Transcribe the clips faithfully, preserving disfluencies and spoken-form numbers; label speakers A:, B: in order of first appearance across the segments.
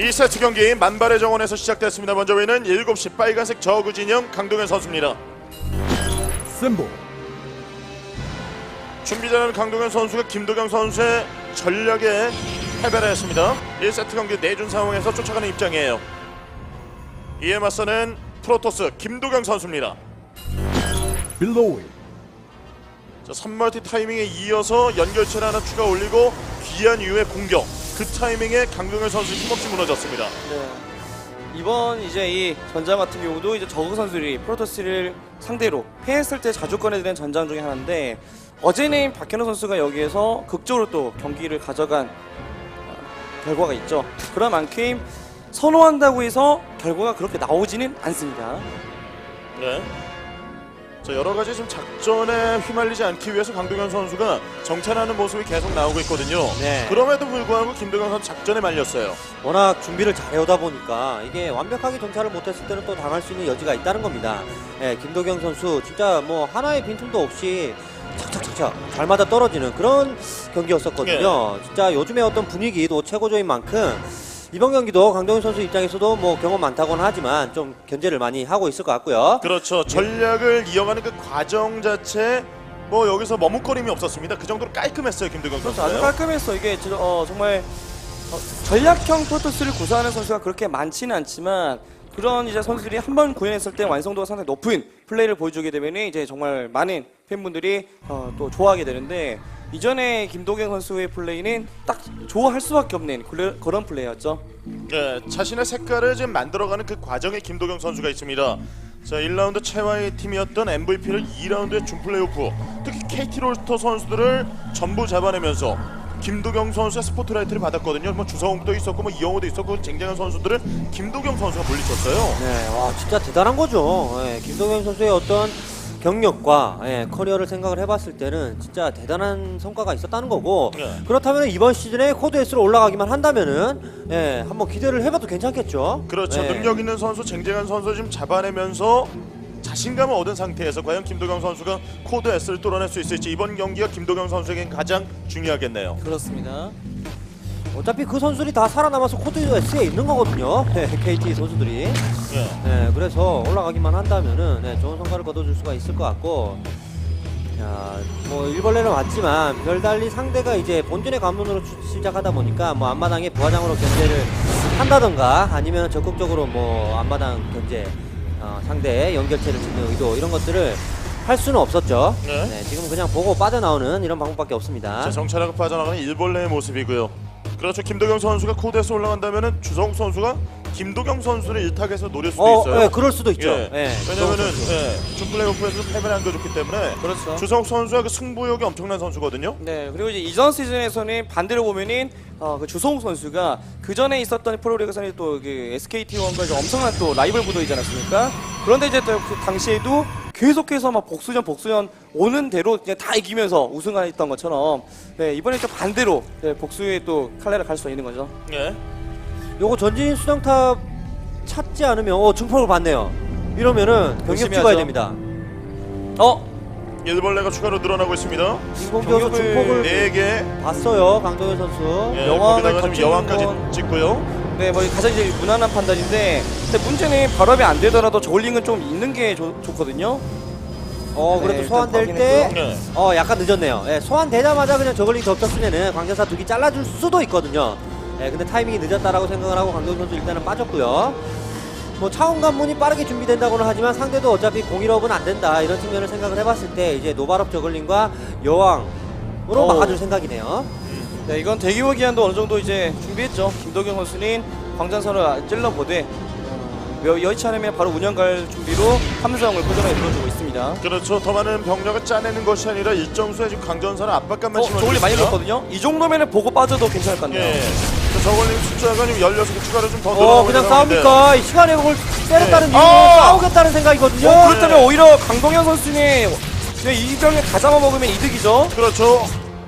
A: 이 세트 경기 만발의 정원에서 시작됐습니다. 먼저 보이는 일곱 시 빨간색 저그 진영 강동현 선수입니다.
B: 셈보
A: 준비자는 강동현 선수가 김도경 선수의 전략에 패배를 했습니다. 일 세트 경기 내준 상황에서 쫓아가는 입장이에요. 이에 맞서는 프로토스 김도경 선수입니다.
B: 빌로우이
A: 자, 삼 멀티 타이밍에 이어서 연결체를 하나 추가 올리고 귀한 이후의 공격, 그 타이밍에 강동현 선수 힘없이 무너졌습니다.
C: 네. 이번 이제 이 전장 같은 경우도 이제 저그 선수들이 프로토스를 상대로 패했을 때 자주 꺼내드는 전장 중에 하나인데, 어제는 박현우 선수가 여기에서 극적으로 또 경기를 가져간 어, 결과가 있죠. 그런 만큼 선호한다고 해서 결과가 그렇게 나오지는 않습니다.
A: 네. 자, 여러 가지 좀 작전에 휘말리지 않기 위해서 강동현 선수가 정찰하는 모습이 계속 나오고 있거든요.
D: 네.
A: 그럼에도 불구하고 김도경 선수 작전에 말렸어요.
D: 워낙 준비를 잘해오다 보니까 이게 완벽하게 정찰을 못했을 때는 또 당할 수 있는 여지가 있다는 겁니다. 예, 김도경 선수 진짜 뭐 하나의 빈틈도 없이 착착착착 잘 맞아 떨어지는 그런 경기였었거든요.
A: 네.
D: 진짜 요즘의 어떤 분위기도 최고조인 만큼 이번 경기도 강동현 선수 입장에서도 뭐 경험 많다고는 하지만 좀 견제를 많이 하고 있을 것 같고요.
A: 그렇죠. 전략을 이어가는 그 과정 자체 뭐 여기서 머뭇거림이 없었습니다. 그 정도로 깔끔했어요, 김도경
C: 그렇죠.
A: 선수.
C: 아주 깔끔했어. 이게 저- 어, 정말 어, 전략형 프로토스를 구사하는 선수가 그렇게 많지는 않지만, 그런 이제 선수들이 한 번 구현했을 때 완성도가 상당히 높은 플레이를 보여주게 되면 이제 정말 많은 팬분들이 어, 또 좋아하게 되는데, 이전에 김도경 선수의 플레이는 딱 좋아할 수밖에 없는 그래- 그런 플레이였죠.
A: 네, 자신의 색깔을 지금 만들어가는 그 과정에 김도경 선수가 있습니다. 자, 일 라운드 최하위 팀이었던 엠브이피를 이 라운드에 준 플레이오프, 특히 케이티 롤스터 선수들을 전부 잡아내면서 김도경 선수의 스포트라이트를 받았거든요. 뭐 주성욱도 있었고 뭐 이영호도 있었고 쟁쟁한 선수들을 김도경 선수가 물리쳤어요.
D: 네, 와 진짜 대단한 거죠. 예, 김동현 선수의 어떤 경력과 예, 커리어를 생각을 해봤을 때는 진짜 대단한 성과가 있었다는 거고,
A: 네.
D: 그렇다면 이번 시즌에 코드 S로 올라가기만 한다면은 예, 한번 기대를 해봐도 괜찮겠죠.
A: 그렇죠.
D: 예.
A: 능력 있는 선수, 쟁쟁한 선수 지금 잡아내면서 자신감을 얻은 상태에서 과연 김도경 선수가 코드 S를 뚫어낼 수 있을지, 이번 경기가 김도경 선수에겐 가장 중요하겠네요.
C: 그렇습니다.
D: 어차피 그 선수들이 다 살아남아서 코드 S에 있는 거거든요. 예, 케이티 선수들이.
A: 예.
D: 네, 그래서 올라가기만 한다면은 네, 좋은 성과를 거둬줄 수가 있을 것 같고, 자, 뭐 일벌레는 왔지만 별달리 상대가 이제 본진의 관문으로 추- 시작하다 보니까 뭐 앞마당에 부하장으로 견제를 한다던가 아니면 적극적으로 뭐 앞마당 견제, 어, 상대의 연결체를 짓는 의도 이런 것들을 할 수는 없었죠.
A: 네.
D: 네, 지금 그냥 보고 빠져나오는 이런 방법밖에 없습니다.
A: 자, 정찰하고 빠져나가는 일벌레의 모습이고요. 그렇죠. 김도경 선수가 코드에서 올라간다면은 주성욱 선수가 김도경 선수를 일탁에서 노릴 수도
D: 어,
A: 있어요.
D: 네, 그럴 수도 있죠.
A: 예.
D: 네,
A: 왜냐면은
D: 선수.
A: 예, 준 플레이오프에서 패배를 안겨줬기 때문에
C: 그렇죠.
A: 주성욱 선수가 그 승부욕이 엄청난 선수거든요.
C: 네, 그리고 이제 이전 시즌에서는 반대로 보면은 어, 그 주성욱 선수가 그 전에 있었던 프로리그에서는 또 그 에스케이티원과 엄청난 또 라이벌 구도이지 않았습니까? 그런데 이제 또 그 당시에도 계속해서 막 복수전 복수전 오는 대로 그냥 다 이기면서 우승했던 것처럼, 네, 이번에 또 반대로 네, 복수의 또 칼날을 갈 수 있는 거죠.
A: 예.
D: 요거 전진 수정탑 찾지 않으면 어 증폭을 받네요. 이러면은 병력
C: 열심히
D: 찍어야
C: 하죠.
D: 됩니다.
C: 어,
A: 일벌레가 추가로 늘어나고 있습니다.
D: 인공지어서
C: 병력을
D: 증폭을
A: 네 개.
D: 봤어요, 강동현 선수.
A: 예,
C: 여왕을
A: 거기다가 지금
C: 던지는
A: 여왕까지
C: 건-
A: 찍고요.
C: 네, 뭐 가장 이제 무난한 판단인데, 근데 문제는 발업이 안 되더라도 저울링은 좀 있는 게 좋, 좋거든요.
D: 어
C: 네,
D: 그래도
C: 일단
D: 소환될
C: 확인했고요.
D: 때
A: 네.
D: 어 약간 늦었네요. 예, 소환되자마자 그냥 저글링 덮쳤으면은 광전사 두 개 잘라줄 수도 있거든요. 예, 근데 타이밍이 늦었다라고 생각을 하고 강동현 선수 일단은 빠졌고요. 뭐 차원 관문이 빠르게 준비된다고는 하지만 상대도 어차피 공일업은 안 된다 이런 측면을 생각을 해봤을 때 이제 노발업 저글링과 여왕으로
C: 어우.
D: 막아줄 생각이네요.
C: 네, 이건 대규모 기한도 어느 정도 이제 준비했죠. 김도경 선수는 광전선을 찔러보되 어, 여의치 않으면 바로 운영 갈 준비로 함성을 꾸준하게 들어주고 있습니다.
A: 그렇죠. 더 많은 병력을 짜내는 것이 아니라 일정 수의 지금 강전사는 압박감만
C: 어,
A: 심어주고
C: 저글링 많이
A: 있습니다.
C: 넣었거든요. 이 정도면은 보고 빠져도 괜찮을 것 같네요.
A: 예. 자, 저걸링 숫자가 지금 열여섯 개 추가로 좀 더
D: 어
A: 늘어나고
D: 그냥
A: 있는 상황인데.
D: 싸웁니까? 이 시간에 그걸 때렸다는
A: 네.
D: 이유로
A: 아!
D: 싸우겠다는 생각이거든요.
C: 어, 그렇다면 오히려 강동현 선수는 그냥 이 병에 다 잡아먹으면 이득이죠.
A: 그렇죠.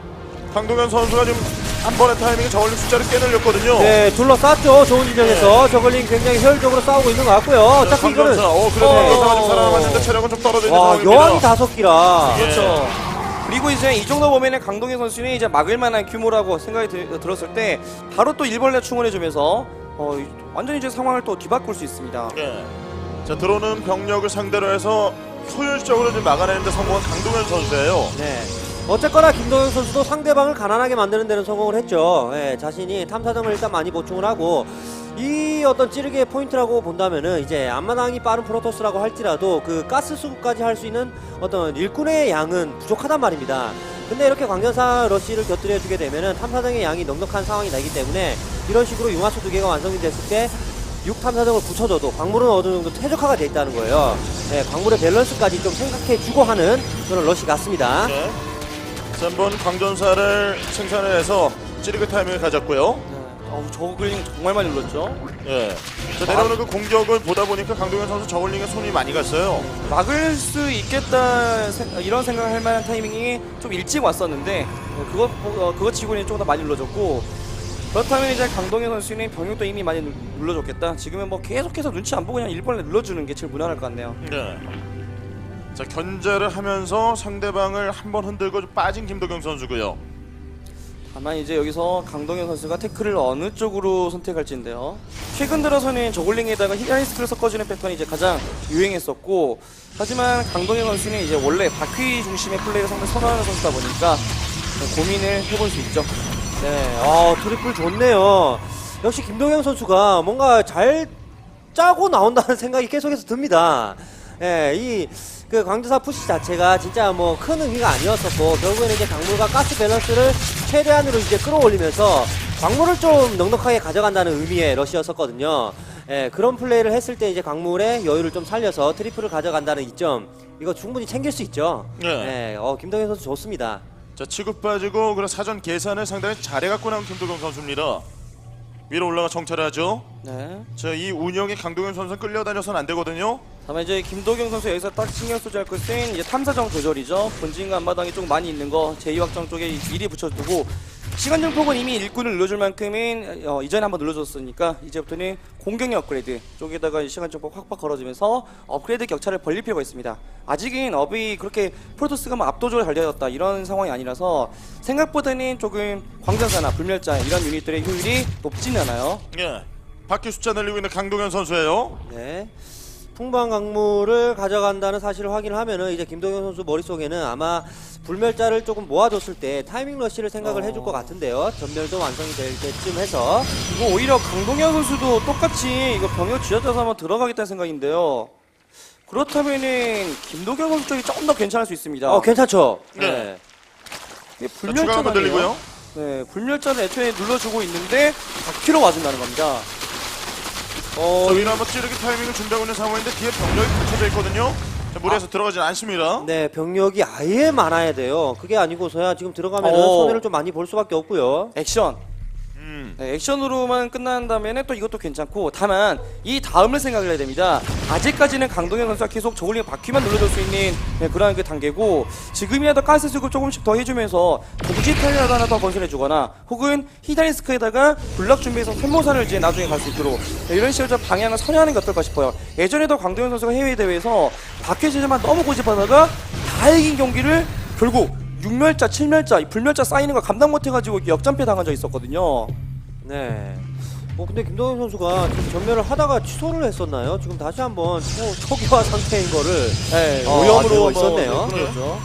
A: 강동현 선수가 지금 한 번의 타이밍에 저걸링 숫자를 꽤 늘렸거든요.
D: 네, 둘러쌌죠. 좋은 지점에서 저글링 굉장히 효율적으로 싸우고 있는 것 같고요. 어차피 이거는
A: 강전사. 어, 그래도
D: 어.
A: 강전사가 좀 살아남았는데 체력은 좀 떨어져 있는
D: 와,
A: 상황입니다.
D: 여왕이 다섯 기라.
A: 예.
C: 그렇죠. 그리고 이제 이 정도 보면은 강동현 선수는 이제 막을 만한 규모라고 생각이 들, 들었을 때 바로 또 일벌레 충원해주면서 어, 이- 완전히 이제 상황을 또 뒤바꿀 수 있습니다.
A: 예. 자 들어오는 병력을 상대로 해서 효율적으로 좀 막아내는데 성공한 강동현 선수예요.
D: 네. 어쨌거나 김동현 선수도 상대방을 가난하게 만드는 데는 성공을 했죠. 예, 자신이 탐사정을 일단 많이 보충을 하고 이 어떤 찌르기의 포인트라고 본다면은 이제 앞마당이 빠른 프로토스라고 할지라도 그 가스 수급까지 할 수 있는 어떤 일꾼의 양은 부족하단 말입니다. 근데 이렇게 광전사 러시를 곁들여 주게 되면은 탐사정의 양이 넉넉한 상황이 나기 때문에 이런 식으로 융화수 두 개가 완성이 됐을 때 육 탐사정을 붙여줘도 광물은 어느 정도 최적화가 돼 있다는 거예요. 네, 광물의 밸런스까지 좀 생각해주고 하는 그런 러시 같습니다.
A: 네. 자, 한번 광전사를 생산을 해서 찌르기 타이밍을 가졌고요.
C: 네. 어우, 저글링 정말 많이 눌렀죠.
A: 예. 자, 내려오는 그 공격을 보다 보니까 강동현 선수 저글링에 손이 많이 갔어요.
C: 막을 수 있겠다 생- 이런 생각을 할 만한 타이밍이 좀 일찍 왔었는데 어, 그것 어, 그것 치고는 조금 더 많이 눌러줬고, 그렇다면 이제 강동현 선수는 병력도 이미 많이 눌- 눌러줬겠다. 지금은 뭐 계속해서 눈치 안 보고 그냥 일본에 눌러주는 게 제일 무난할 것 같네요.
A: 네. 자, 견제를 하면서 상대방을 한번 흔들고 좀 빠진 김도경 선수고요.
C: 다만 이제 여기서 강동현 선수가 태클을 어느 쪽으로 선택할지인데요. 최근 들어서는 저글링에다가 히라이스크를 섞어주는 패턴이 이제 가장 유행했었고, 하지만 강동현 선수는 이제 원래 바퀴 중심의 플레이를 상당히 선호하는 선수다 보니까 고민을 해볼 수 있죠.
D: 네, 어, 트리플 좋네요. 역시 김동현 선수가 뭔가 잘 짜고 나온다는 생각이 계속해서 듭니다. 예, 이, 그 광주사 푸시 자체가 진짜 뭐 큰 의미가 아니었었고, 결국에는 이제 광물과 가스 밸런스를 최대한으로 이제 끌어올리면서 광물을 좀 넉넉하게 가져간다는 의미의 러시였었거든요. 예, 그런 플레이를 했을 때 이제 광물의 여유를 좀 살려서 트리플을 가져간다는 이점, 이거 충분히 챙길 수 있죠.
A: 네.
D: 예, 어, 김동현 선수 좋습니다.
A: 자, 치고 빠지고 그런 사전 계산을 상당히 잘해갖고 나온 김도경 선수입니다. 위로 올라가 정찰을 하죠.
C: 네.
A: 자, 이 운영에 강동현 선수 끌려다녀서는 안 되거든요.
C: 다만 이제 김도경 선수 여기서 딱 신경 쓰지 할 것은 이제 탐사정 조절이죠. 본진과 앞마당이 좀 많이 있는 거 제이 확정 쪽에 미리 붙여두고, 시간 증폭은 이미 일꾼을 눌러줄 만큼은 어, 이전에 한번 눌러줬으니까 이제부터는 공격력 업그레이드 쪽에다가 시간 증폭 확확 걸어주면서 업그레이드 격차를 벌릴 필요가 있습니다. 아직은 업이 그렇게 프로토스가 뭐 압도적으로 잘 되었다 이런 상황이 아니라서 생각보다는 조금 광전사나 불멸자 이런 유닛들의 효율이 높지는 않아요.
A: 예. 바퀴 숫자 늘리고 있는 강동현 선수예요.
D: 네. 풍부한 광물을 가져간다는 사실을 확인을 하면은 이제 김동현 선수 머릿속에는 아마 불멸자를 조금 모아줬을 때 타이밍 러시를 생각을
C: 어.
D: 해줄 것 같은데요. 전멸도 완성이 될 때쯤 해서.
C: 이거 오히려 강동현 선수도 똑같이 이거 병력 쥐어짜서 한번 들어가겠다는 생각인데요. 그렇다면은 김도경 선수 쪽이 조금 더 괜찮을 수 있습니다.
D: 어, 괜찮죠?
A: 네.
D: 네.
C: 이게
A: 자, 추가 한번
C: 불멸자네요.
A: 늘리고요.
C: 네, 불멸자를 애초에 눌러주고 있는데 바퀴로 와준다는 겁니다.
D: 어,
A: 자, 위로 한번 찌르기 타이밍을 준비하고 있는 상황인데 뒤에 병력이 갇혀져 있거든요. 자, 무리해서 들어가진 않습니다.
D: 네, 병력이 아예 많아야 돼요. 그게 아니고서야 지금 들어가면은
C: 어.
D: 손해를 좀 많이 볼 수밖에 없고요.
C: 액션.
A: 음.
C: 네, 액션으로만 끝난다면 또 이것도 괜찮고, 다만 이 다음을 생각을 해야 됩니다. 아직까지는 강동현 선수가 계속 저글링 바퀴만 눌러줄 수 있는 네, 그런 그 단계고, 지금이라도 가스 수급 조금씩 더 해주면서 동지 타이어라도 하나 더 건설해주거나, 혹은 히다리스크에다가 블럭 준비해서 샘모산을 이제 나중에 갈 수 있도록 네, 이런 식으로 좀 방향을 선회하는 게 어떨까 싶어요. 예전에도 강동현 선수가 해외 대회에서 바퀴 제재만 너무 고집하다가 다 이긴 경기를 결국 육멸자, 칠멸자, 불멸자 쌓이는 걸 감당 못해가지고 역전패 당한 적이 있었거든요.
D: 네. 뭐 근데 김동현 선수가 지금 전멸을 하다가 취소를 했었나요? 지금 다시 한번 초, 초기화 상태인 거를
C: 네,
D: 어,
C: 오염으로
D: 되고
C: 뭐
D: 있었네요.
C: 네, 그렇죠.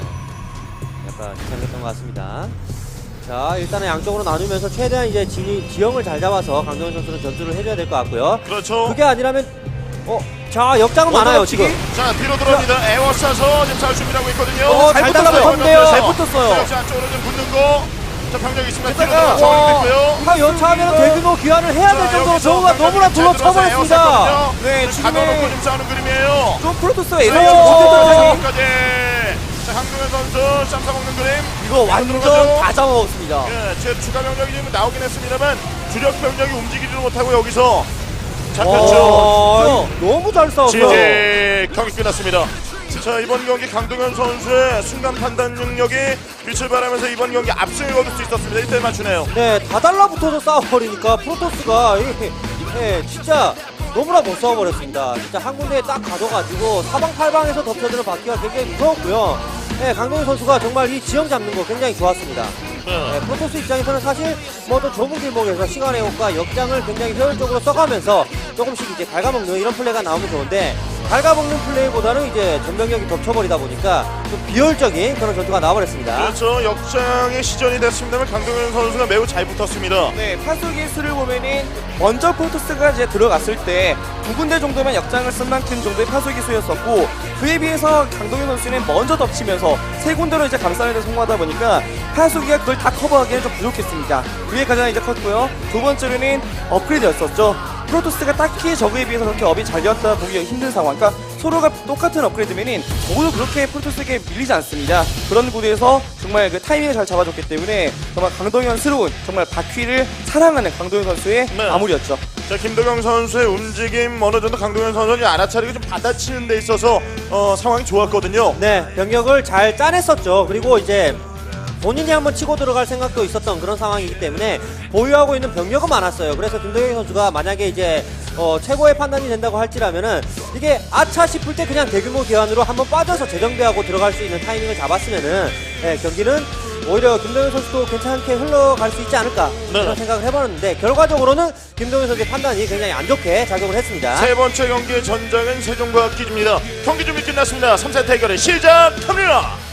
D: 약간 이상했던 것 같습니다. 자, 일단은 양쪽으로 나누면서 최대한 이제 지, 지형을 잘 잡아서 강동현 선수는 전투를 해줘야 될 것 같고요.
A: 그렇죠.
D: 그게 아니라면 어, 자, 역장은 많아요 지금.
A: 자, 뒤로 들어옵니다. 에워싸서 지금 잘 준비하고 있거든요.
C: 어,
D: 잘
C: 잘
D: 달라붙었는데요.
C: 붙었어요. 잘 붙었어요.
A: 자, 역시 안쪽으로 좀 붙는 거. 자, 병력이 있습니다. 뒤로
C: 게다가,
A: 들어가서
C: 와.
A: 있고요.
D: 하 여차하면 대규모 귀환을 해야 될 정도로 저우가 너무나 둘러쳐버렸습니다.
C: 네,
A: 지금 가둬놓고
C: 지금은
A: 좀 싸우는 그림이에요.
C: 좀 프로토스가
A: 자,
C: 예상치
A: 여기서
C: 못했던
A: 까지. 자, 강동현 선수 쌈 싸먹는 그림.
C: 이거 완전
A: 들어가죠.
C: 다 잡아먹었습니다.
A: 예, 제 추가 병력이 지금 나오긴 했습니다만 주력 병력이 움직이지도 못하고 여기서 잡혔죠.
D: 어, 너무 잘 싸웠어요.
A: 지지 경기 끝났습니다. 자, 이번 경기 강동현 선수의 순간 판단 능력이 빛을 발하면서 이번 경기 압승을 거둘 수 있었습니다. 일 대 맞추네요.
D: 네, 다 달라붙어서 싸워버리니까 프로토스가 예, 예, 진짜 너무나 못 싸워버렸습니다. 진짜 한 군데에 딱 가둬가지고 사방팔방에서 덮쳐드는 바퀴가 굉장히 무서웠고요. 네, 강동현 선수가 정말 이 지형 잡는 거 굉장히 좋았습니다.
A: 네.
D: 네, 프로토스 입장에서는 사실 뭐 또 좁은 길목에서 시간의 효과, 역장을 굉장히 효율적으로 써가면서 조금씩 이제 갉아먹는 이런 플레이가 나오면 좋은데 갉아먹는 플레이보다는 이제 전병력이 덮쳐버리다 보니까 좀 비효율적인 그런 전투가 나와버렸습니다.
A: 그렇죠. 역장의 시전이 됐습니다만 강동현 선수가 매우 잘 붙었습니다.
C: 네, 파수기 수를 보면은 먼저 프로토스가 이제 들어갔을 때 두 군데 정도면 역장을 쓴 만큼 정도의 파수기 수였었고 그에 비해서 강동현 선수는 먼저 덮치면서 세 군데로 이제 감싸는 데 성공하다 보니까 파수기가 그걸 다 커버하기에는 좀 부족했습니다. 그게 가장 이제 컸고요. 두 번째로는 업그레이드였었죠. 프로토스가 딱히 저그에 비해서 그렇게 업이 잘 되었다 보기 힘든 상황. 그러니까 서로가 똑같은 업그레이드면은 적어도 그렇게 프로토스에게 밀리지 않습니다. 그런 구도에서 정말 그 타이밍을 잘 잡아줬기 때문에 정말 강동현스러운 정말 바퀴를 사랑하는 강동현 선수의
A: 네.
C: 마무리였죠.
A: 자, 김도경 선수의 움직임 어느 정도 강동현 선수는 알아차리고 좀 받아치는 데 있어서 어, 상황이 좋았거든요.
D: 네, 병력을 잘 짜냈었죠. 그리고 이제 본인이 한번 치고 들어갈 생각도 있었던 그런 상황이기 때문에 보유하고 있는 병력은 많았어요. 그래서 김도경 선수가 만약에 이제 어, 최고의 판단이 된다고 할지라면은 이게 아차 싶을 때 그냥 대규모 교환으로 한번 빠져서 재정비하고 들어갈 수 있는 타이밍을 잡았으면은 네, 경기는 오히려 김도경 선수도 괜찮게 흘러갈 수 있지 않을까
A: 네.
D: 그런 생각을 해봤는데 결과적으로는 김도경 선수의 판단이 굉장히 안 좋게 작용을 했습니다.
A: 세 번째 경기의 전장은 세종과학 기지입니다. 경기 준비 끝났습니다. 삼 세트 대결이 시작합니다.